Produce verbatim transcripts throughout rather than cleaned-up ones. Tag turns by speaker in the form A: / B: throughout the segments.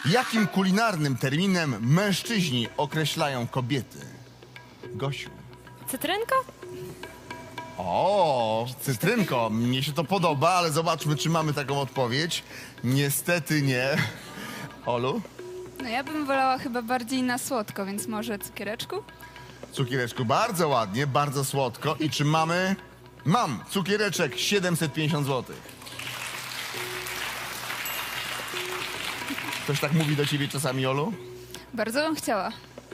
A: Jakim kulinarnym terminem mężczyźni określają kobiety? Gosiu.
B: Cytrynka?
A: O, cytrynko, mnie się to podoba, ale zobaczmy, czy mamy taką odpowiedź. Niestety nie. Olu?
C: No ja bym wolała chyba bardziej na słodko, więc może cukiereczku?
A: Cukiereczku, bardzo ładnie, bardzo słodko. I czy mamy? Mam, cukiereczek siedemset pięćdziesiąt złotych. Ktoś tak mówi do ciebie czasami, Olu?
C: Bardzo bym chciała.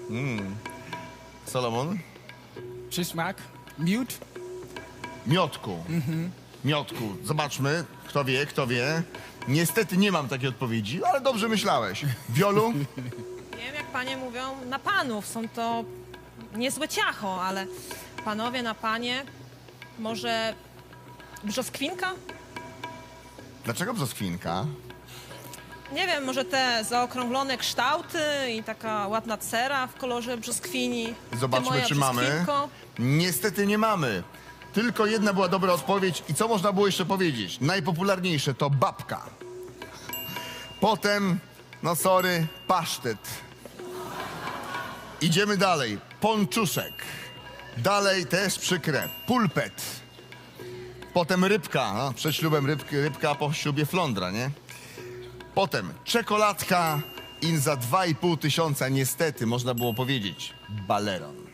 A: Solomon?
D: Przysmak. Miód.
A: Miotku. Miotku. Zobaczmy, kto wie, kto wie. Niestety nie mam takiej odpowiedzi, ale dobrze myślałeś. Wiolu?
E: Nie wiem, jak panie mówią, na panów. Są to niezłe ciacho, ale panowie na panie, może brzoskwinka?
A: Dlaczego brzoskwinka?
E: Nie wiem, może te zaokrąglone kształty i taka ładna cera w kolorze brzoskwini. Ty
A: Zobaczmy,
E: moja
A: czy mamy.
E: brzoskwinko.
A: Niestety nie mamy. Tylko jedna była dobra odpowiedź. I co można było jeszcze powiedzieć? Najpopularniejsze to babka. Potem, no sorry, pasztet. Idziemy dalej. Ponczuszek. Dalej też przykre. Pulpet. Potem rybka. No, przed ślubem rybki, rybka, a po ślubie flądra, nie? Potem czekoladka i za dwa i pół tysiąca niestety można było powiedzieć baleron.